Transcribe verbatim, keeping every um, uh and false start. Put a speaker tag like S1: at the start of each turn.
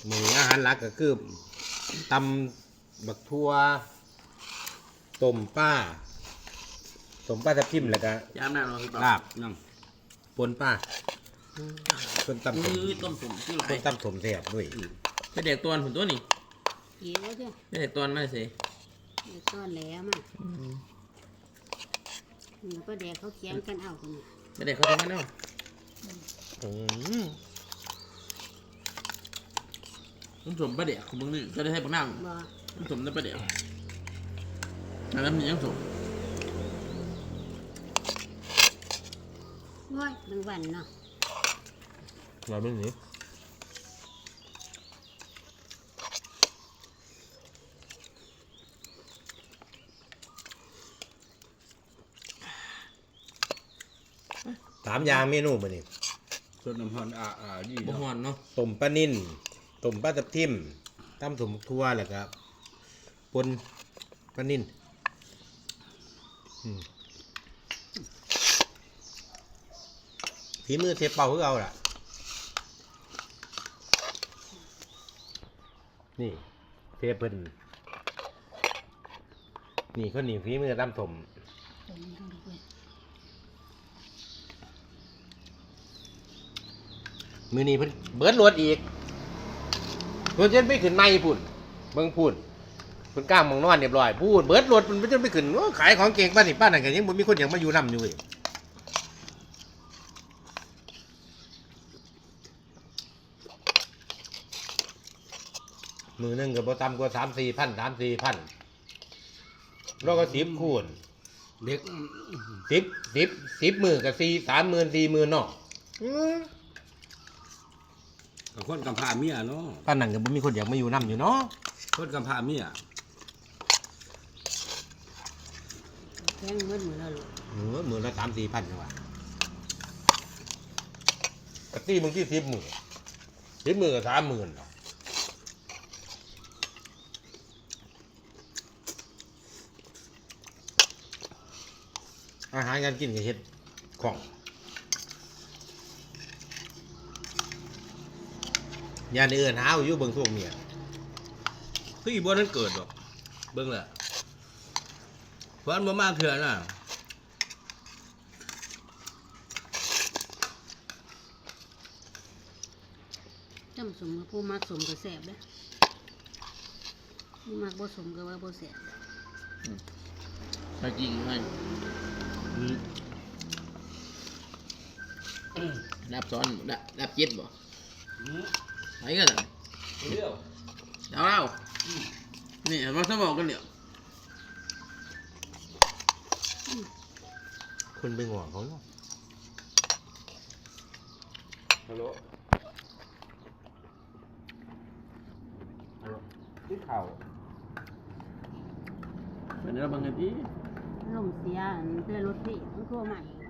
S1: มืออาหารหลักก็คือตำบักทั่วต้มป้าต้มป้าทับทิมแล้วก็
S2: ยามหน้าเราพี่เปล่า
S1: ลาบ
S2: นั่ง
S1: ปนป้าต้นตำ
S2: มื
S1: ถม
S2: อต้มสมที่ไร
S1: ต้นตำถมแซ่บด้วย
S2: ไปเด็กตัวผุนตัวนี่
S3: เกี่ยวจ้ะ
S2: ไปเด็กตัวไม่สิ
S3: เดี๋ยวต้อนแหลมอ่ะแล้วก็แดกเขาเคียงกันเอาคนนี้
S2: ไปเด็กเขาทำกันเนาะ
S1: อืม
S2: ต้มสมไปเด็กของมึงนี่ก็ได้ให้บักนั่ง
S3: บ่
S2: ต้มสมได้ไปเด็กอันนั้นมียังสม
S3: ง่อยบางวันเนาะ
S1: เราไม่หนีสามอย่างเมนูมานี่
S4: ส่วนน้ำพันอ่าอ่าดี
S2: บ่หอนเนาะ
S1: ต้มปลานิ่นต้มปลาทับทิมตำถมทั่วแล้วก็ปนปลานิ่นอืมฝีมือเทปเป่าคือเอาล่ะ นี่เทปเพิ่นนี่คนนี้ฝีมือตำถมมือนี้เพิ่นเบิดรถอีกเพิ่นจนไปขึ้นไม่พุ่นเบิ่งพุ่นเพิ่นกล้างมองนอนเรียบร้อยพูดเบิดรถเพิ่นจนไปขึ้นโอ้ขายของเก่งป้านนี่ป้านนั่นก็ยังบ่มีคนอยากมาอยู่นำอยู่เว้ยมือหนึงก็บ่ต่ำกว่า สามสี่พัน สามสี่พันแล้วก็สิบคูณ
S4: เด็ก
S1: สิบ สิบ สิบมื้อก็สี่ สามหมื่น สี่หมื่นเนาะอือ
S4: กับคนกำพร้าเมียเนาะ
S1: ป้านนั่นก็บ่มีคนอยากมาอยู่นำอยู่เนาะ
S4: คนกำพร้าเมีย
S3: แข้งมืดมือแล้วลูก
S1: เออมื้อละ สามสี่พันจังว่าก็ตีมึงที่สิบมื้อสิบมื้อก็ สามหมื่นเนาะอาหารการกินก็เฮ็ดของยานเอื่นหาอยู่เบิ่งพวกเมีย
S4: คืออีบ่นั้นเกิดหรอกเบิ่งแหละเพราะอันบ่มาเถื่อน่ะ
S3: จำสมกับผู้มักสมก็แสบเด้อผู้มักบ่สมก็ว่าบ่แสบ
S2: ไปจริงให้ดับซ้อนดับดับเจ็ดบ่ไหนกันล่ะ
S4: เดียว
S2: ดาวเรานี่มาสมองกันเดี๋ยว
S1: คนไปงอเขาเนาะ
S4: ฮัลโหลฮัลโหลที่เข่า
S2: เป็นเรื่องบางที
S3: ลมเสียอันเตือนรถพี่มันโทรมาอีก